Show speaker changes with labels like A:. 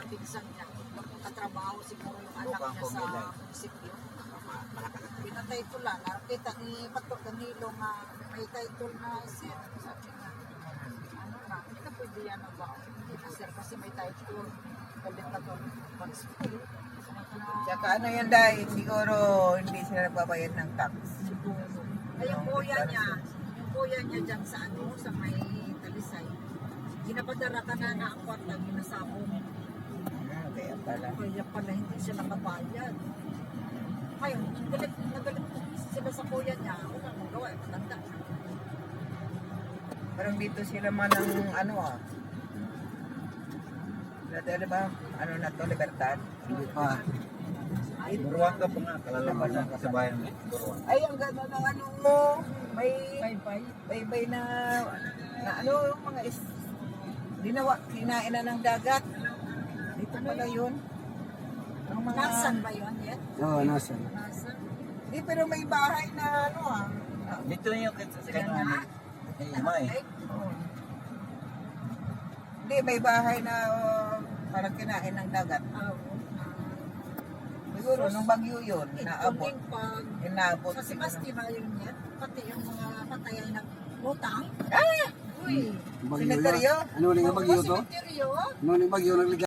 A: pinsan niya. Magkatrabaho siguro yung anak niya sa munisipyo. Pinatay ito lang. Nakita ni Pato Danilo nga may title na sir. Sabi nga, ano na, hindi na pwede yan ang ba? Hindi na sir kasi may title. Galit na doon. Mag-school.
B: Tsaka ano yan dahil siguro hindi sila nagbabayad ng tax.
A: Ay, yung kuya niya dyan sa ano, sa may Talisay. Ginapadara ka na ang kwarta, ginasabong.
B: Kaya pala.
A: Kaya pala hindi siya nakabayad. Ngayon, nagalit sila sa kuya niya. Wala mong gawa, matanda.
B: Parang dito sila man ng ano Dati ba? Ano na to, Libertad?
C: Hindi pa. Buruan ka pa nga. Kalalaman ng kasabayan mo. Buruan.
B: Ay, ang ganda ng ano mo. May
A: Bye-bye.
B: baybay na ano, yung mga dinawa, kinain na ng dagat. Dito pala yun. Ang mga,
A: Nasaan ba yun yet?
C: Oo, nasa.
A: Nasaan?
B: Di, pero may bahay na ano
C: Dito yung
A: Sige nga.
C: May.
B: Hindi, may bahay na parang kinain ng dagat. Siguro, nung bagyo yun, naabot.
A: Including pag
B: Inaabot.
A: sa Sebastian yun yan, pati yung mga patayan ng utang.
B: Ah!
A: Uy!
B: Sineteryo?
C: Ano ulit yung bagyo to?
A: Simeteryo?
C: Ano ulit yung bagyo?